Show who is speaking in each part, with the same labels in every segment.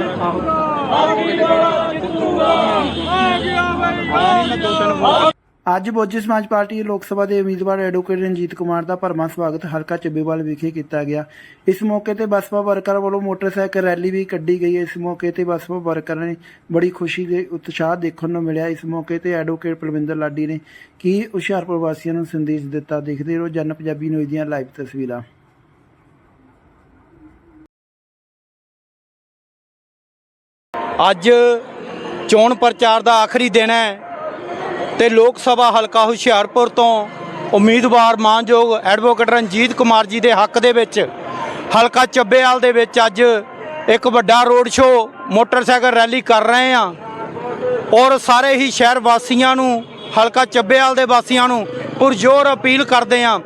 Speaker 1: ਅੱਜ ਬੋਜੀ ਸਮਾਜ ਪਾਰਟੀ ਲੋਕ ਸਭਾ ਦੇ ਉਮੀਦਵਾਰ ਐਡਵੋਕੇਟ ਰਣਜੀਤ ਕੁਮਾਰ ਦਾ ਭਰਵਾਂ ਸਵਾਗਤ ਹਲਕਾ ਚੱਬੇਵਾਲ ਵਿਖੇ ਕੀਤਾ ਗਿਆ। ਇਸ ਮੌਕੇ ਤੇ ਬਸਪਾ ਵਰਕਰ ਵੱਲੋਂ ਮੋਟਰਸਾਈਕਲ ਰੈਲੀ ਵੀ ਕੱਢੀ ਗਈ। ਇਸ ਮੌਕੇ ਤੇ ਬਸਪਾ ਵਰਕਰਾਂ ਨੇ ਬੜੀ ਖੁਸ਼ੀ ਤੇ ਉਤਸ਼ਾਹ ਦੇਖਣ ਨੂੰ ਮਿਲਿਆ। ਇਸ ਮੌਕੇ ਤੇ ਐਡਵੋਕੇਟ ਪਲਵਿੰਦਰ ਲਾਡੀ ਨੇ ਕੀ ਹੁਸ਼ਿਆਰਪੁਰ ਵਾਸੀਆਂ ਨੂੰ ਸੰਦੇਸ਼ ਦਿੱਤਾ। ਦੇਖਦੇ ਰਹੋ ਜਨ ਪੰਜਾਬੀ ਨਿਊਜ਼ ਦੀਆਂ ਲਾਈਵ ਤਸਵੀਰਾਂ।
Speaker 2: ਅੱਜ ਚੋਣ ਪ੍ਰਚਾਰ ਦਾ ਆਖਰੀ ਦਿਨ ਹੈ ਤੇ ਲੋਕ ਸਭਾ ਹਲਕਾ ਹੁਸ਼ਿਆਰਪੁਰ ਤੋਂ ਉਮੀਦਵਾਰ ਮਾਨਯੋਗ ਐਡਵੋਕੇਟ ਰਣਜੀਤ ਕੁਮਾਰ ਜੀ ਦੇ ਹੱਕ ਦੇ ਵਿੱਚ ਹਲਕਾ ਚੱਬੇਵਾਲ ਦੇ ਵਿੱਚ ਅੱਜ ਇੱਕ ਵੱਡਾ ਰੋਡ ਸ਼ੋਅ ਮੋਟਰਸਾਈਕਲ ਰੈਲੀ ਕਰ ਰਹੇ ਹਾਂ ਔਰ ਸਾਰੇ ਹੀ ਸ਼ਹਿਰ ਵਾਸੀਆਂ ਨੂੰ ਹਲਕਾ ਚੱਬੇਵਾਲ ਦੇ ਵਾਸੀਆਂ ਨੂੰ ਪੁਰਜ਼ੋਰ ਅਪੀਲ ਕਰਦੇ ਹਾਂ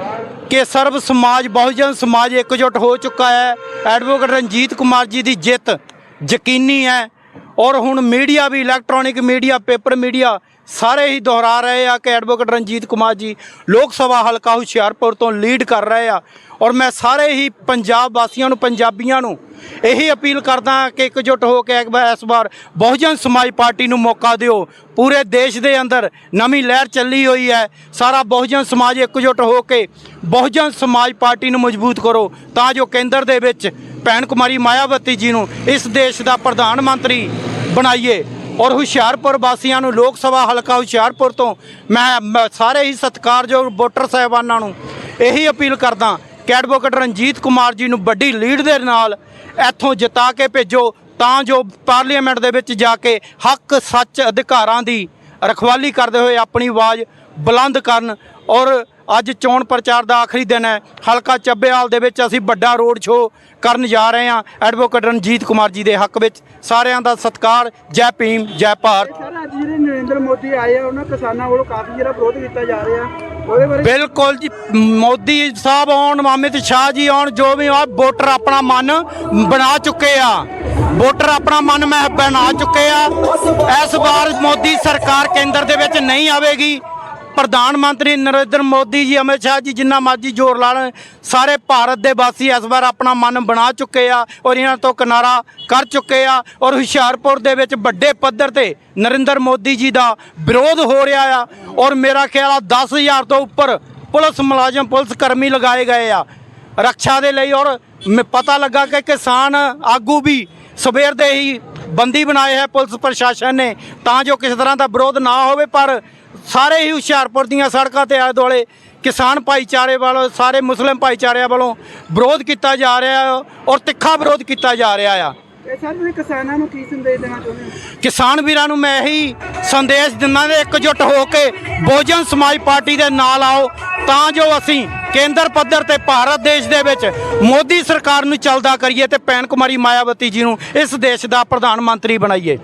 Speaker 2: ਕਿ ਸਰਬ ਸਮਾਜ ਬਹੁਜਨ ਸਮਾਜ ਇਕਜੁੱਟ ਹੋ ਚੁੱਕਾ ਹੈ। ਐਡਵੋਕੇਟ ਰਣਜੀਤ ਕੁਮਾਰ ਜੀ ਦੀ ਜਿੱਤ ਯਕੀਨੀ ਹੈ ਔਰ ਹੁਣ ਮੀਡੀਆ ਵੀ ਇਲੈਕਟ੍ਰੋਨਿਕ ਮੀਡੀਆ ਪੇਪਰ ਮੀਡੀਆ ਸਾਰੇ ਹੀ ਦੁਹਰਾ ਰਹੇ ਆ ਕਿ ਐਡਵੋਕੇਟ ਰਣਜੀਤ ਕੁਮਾਰ ਜੀ ਲੋਕ ਸਭਾ ਹਲਕਾ ਹੁਸ਼ਿਆਰਪੁਰ ਤੋਂ ਲੀਡ ਕਰ ਰਹੇ ਆ। ਔਰ ਮੈਂ ਸਾਰੇ ਹੀ ਪੰਜਾਬ ਵਾਸੀਆਂ ਨੂੰ ਪੰਜਾਬੀਆਂ ਨੂੰ ਇਹੀ ਅਪੀਲ ਕਰਦਾ ਕਿ ਇਕਜੁੱਟ ਹੋ ਕੇ ਇਸ ਵਾਰ ਬਹੁਜਨ ਸਮਾਜ ਪਾਰਟੀ ਨੂੰ ਮੌਕਾ ਦਿਓ। ਪੂਰੇ ਦੇਸ਼ ਦੇ ਅੰਦਰ ਨਵੀਂ ਲਹਿਰ ਚੱਲੀ ਹੋਈ ਹੈ। ਸਾਰਾ ਬਹੁਜਨ ਸਮਾਜ ਇਕਜੁੱਟ ਹੋ ਕੇ ਬਹੁਜਨ ਸਮਾਜ ਪਾਰਟੀ ਨੂੰ ਮਜ਼ਬੂਤ ਕਰੋ ਤਾਂ ਜੋ ਕੇਂਦਰ ਦੇ ਵਿੱਚ ਭੈਣ ਕੁਮਾਰੀ ਮਾਇਆਵਤੀ ਜੀ ਨੂੰ ਇਸ ਦੇਸ਼ ਦਾ ਪ੍ਰਧਾਨ ਮੰਤਰੀ ਬਣਾਈਏ। ਔਰ ਹੁਸ਼ਿਆਰਪੁਰ ਵਾਸੀਆਂ ਨੂੰ ਲੋਕ ਸਭਾ ਹਲਕਾ ਹੁਸ਼ਿਆਰਪੁਰ ਤੋਂ ਮੈਂ ਸਾਰੇ ਹੀ ਸਤਿਕਾਰਯੋਗ ਵੋਟਰ ਸਾਹਿਬਾਨਾਂ ਨੂੰ ਇਹੀ ਅਪੀਲ ਕਰਦਾ ਕਿ ਐਡਵੋਕੇਟ ਰਣਜੀਤ ਕੁਮਾਰ ਜੀ ਨੂੰ ਵੱਡੀ ਲੀਡ ਦੇ ਨਾਲ ਇੱਥੋਂ ਜਿਤਾ ਕੇ ਭੇਜੋ ਤਾਂ ਜੋ ਪਾਰਲੀਮੈਂਟ ਦੇ ਵਿੱਚ ਜਾ ਕੇ ਹੱਕ ਸੱਚ ਅਧਿਕਾਰਾਂ ਦੀ ਰਖਵਾਲੀ ਕਰਦੇ ਹੋਏ ਆਪਣੀ ਆਵਾਜ਼ ਬੁਲੰਦ ਕਰਨ। ਔਰ ਅੱਜ ਚੋਣ ਪ੍ਰਚਾਰ ਦਾ ਆਖਰੀ ਦਿਨ ਹੈ। ਹਲਕਾ ਚੱਬੇਵਾਲ ਦੇ ਵਿੱਚ ਅਸੀਂ ਵੱਡਾ ਰੋਡ ਸ਼ੋਅ ਕਰਨ ਜਾ ਰਹੇ ਹਾਂ ਐਡਵੋਕੇਟ ਰਣਜੀਤ ਕੁਮਾਰ ਜੀ ਦੇ ਹੱਕ ਵਿੱਚ। ਸਾਰਿਆਂ ਦਾ ਸਤਿਕਾਰ। ਜੈ ਭੀਮ ਜੈ ਭਾਰਤ।
Speaker 1: ਸਰ ਅੱਜ ਜਿਹੜੇ ਨਰਿੰਦਰ ਮੋਦੀ ਆਏ ਆ ਉਹਨਾਂ ਕਿਸਾਨਾਂ ਵੱਲੋਂ ਕਾਫੀ ਜਿਹੜਾ ਵਿਰੋਧ ਕੀਤਾ ਜਾ ਰਿਹਾ ਉਹਦੇ ਬਾਰੇ
Speaker 2: ਬਿਲਕੁਲ ਜੀ, ਮੋਦੀ ਸਾਹਿਬ ਆਉਣ, ਅਮਿਤ ਸ਼ਾਹ ਜੀ ਆਉਣ, ਜੋ ਵੀ ਆ ਵੋਟਰ ਆਪਣਾ ਮਨ ਬਣਾ ਚੁੱਕੇ ਆ। ਵੋਟਰ ਆਪਣਾ ਮਨ ਬਣਾ ਚੁੱਕੇ ਆ। ਇਸ ਵਾਰ ਮੋਦੀ ਸਰਕਾਰ ਕੇਂਦਰ ਦੇ ਵਿੱਚ ਨਹੀਂ ਆਵੇਗੀ। ਪ੍ਰਧਾਨ ਮੰਤਰੀ ਨਰਿੰਦਰ ਮੋਦੀ ਜੀ, ਅਮਿਤ ਸ਼ਾਹ ਜੀ ਜਿੰਨਾ ਮਰਜ਼ੀ ਜ਼ੋਰ ਲਾ ਲੈਣ, ਸਾਰੇ ਭਾਰਤ ਦੇ ਵਾਸੀ ਇਸ ਵਾਰ ਆਪਣਾ ਮਨ ਬਣਾ ਚੁੱਕੇ ਆ ਔਰ ਇਹਨਾਂ ਤੋਂ ਕਿਨਾਰਾ ਕਰ ਚੁੱਕੇ ਆ। ਔਰ ਹੁਸ਼ਿਆਰਪੁਰ ਦੇ ਵਿੱਚ ਵੱਡੇ ਪੱਧਰ ਤੇ ਨਰਿੰਦਰ ਮੋਦੀ ਜੀ ਦਾ ਵਿਰੋਧ ਹੋ ਰਿਹਾ ਆ। ਔਰ ਮੇਰਾ ਖਿਆਲ ਆ 10,000 ਤੋਂ ਉੱਪਰ ਪੁਲਿਸ ਮੁਲਾਜ਼ਮ ਪੁਲਿਸ ਕਰਮੀ ਲਗਾਏ ਗਏ ਆ ਰੱਖਿਆ ਦੇ ਲਈ। ਔਰ ਪਤਾ ਲੱਗਾ ਕਿ ਕਿਸਾਨ ਆਗੂ ਵੀ ਸਵੇਰ ਦੇ ਹੀ ਬੰਦੀ ਬਣਾਏ ਹੈ ਪੁਲਿਸ ਪ੍ਰਸ਼ਾਸਨ ਨੇ ਤਾਂ ਜੋ ਕਿਸੇ ਤਰ੍ਹਾਂ ਦਾ ਵਿਰੋਧ ਨਾ ਹੋਵੇ। ਪਰ ਸਾਰੇ ਹੀ ਹੁਸ਼ਿਆਰਪੁਰ ਦੀਆਂ ਸੜਕਾਂ ਤੇ ਆਲੇ ਦੁਆਲੇ ਕਿਸਾਨ ਭਾਈਚਾਰੇ ਵੱਲੋਂ ਸਾਰੇ ਮੁਸਲਿਮ ਭਾਈਚਾਰਿਆਂ ਵੱਲੋਂ ਵਿਰੋਧ ਕੀਤਾ ਜਾ ਰਿਹਾ ਔਰ ਤਿੱਖਾ ਵਿਰੋਧ ਕੀਤਾ ਜਾ ਰਿਹਾ ਆ।
Speaker 1: ਸਰ ਤੁਸੀਂ ਕਿਸਾਨਾਂ ਨੂੰ ਕੀ ਸੰਦੇਸ਼ ਦੇਣਾ ਚਾਹੁੰਦੇ ਹੋ?
Speaker 2: ਕਿਸਾਨ ਵੀਰਾਂ ਨੂੰ ਮੈਂ ਇਹੀ ਸੰਦੇਸ਼ ਦਿੰਦਾ ਕਿ ਇਕਜੁੱਟ ਹੋ ਕੇ ਬਹੁਜਨ ਸਮਾਜ ਪਾਰਟੀ ਦੇ ਨਾਲ ਆਓ ਤਾਂ ਜੋ ਅਸੀਂ ਕੇਂਦਰ ਪੱਧਰ ਤੇ ਭਾਰਤ ਦੇਸ਼ ਦੇ ਵਿੱਚ ਮੋਦੀ ਸਰਕਾਰ ਨੂੰ ਚੱਲਦਾ ਕਰੀਏ ਤੇ ਭੈਣ ਕੁਮਾਰੀ ਮਾਇਆਵਤੀ ਜੀ ਨੂੰ ਇਸ ਦੇਸ਼ ਦਾ ਪ੍ਰਧਾਨ ਮੰਤਰੀ ਬਣਾਈਏ।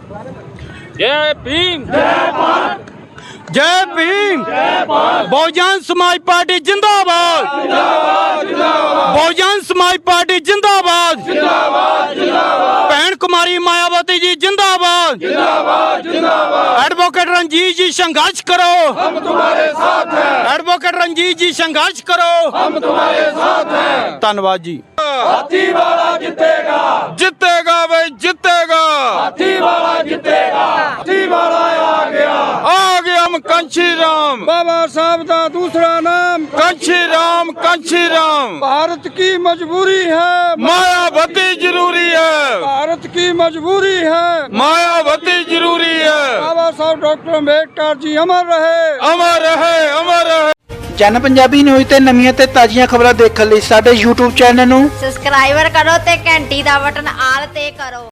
Speaker 3: ਜੈ ਭੀਮ ਜੈ ਭਾਰਤ।
Speaker 2: जय भीम बहुजन समाज पार्टी जिंदाबाद बहुजन समाज पार्टी जिंदाबाद भैन कुमारी मायावती जी जिंदाबाद एडवोकेट रंजीत जी संघर्ष करो हम तुम्हारे साथ हैं। एडवोकेट रंजीत जी संघर्ष करो हम तुम्हारे साथ हैं। धन्यवाद जी।
Speaker 3: हाथी वाला जितेगा
Speaker 2: जितेगा भाई जितेगा।
Speaker 3: हाथी वाला जितेगा। हाथी वाला
Speaker 2: आ गया हम कंची राम
Speaker 1: बाबा साहब का दूसरा नाम
Speaker 2: कंची राम
Speaker 1: भारत की मजबूरी है
Speaker 2: मायावती जरूरी है।
Speaker 1: भारत की मजबूरी है
Speaker 2: मायावती जरूरी है।
Speaker 1: बाबा साहब डॉक्टर अम्बेडकर जी अमर रहे
Speaker 2: अमर रहे अमर रहे।
Speaker 1: ਜਨ ਪੰਜਾਬੀ ਨਿਊਜ਼ ਤੇ ਨਵੀਆਂ ਤੇ ਤਾਜ਼ੀਆਂ ਖਬਰਾਂ ਦੇਖਣ ਲਈ ਸਾਡੇ YouTube ਚੈਨਲ ਨੂੰ
Speaker 4: ਸਬਸਕ੍ਰਾਈਬਰ ਕਰੋ ਤੇ ਘੰਟੀ ਦਾ ਬਟਨ ਆਲ ਤੇ ਕਰੋ।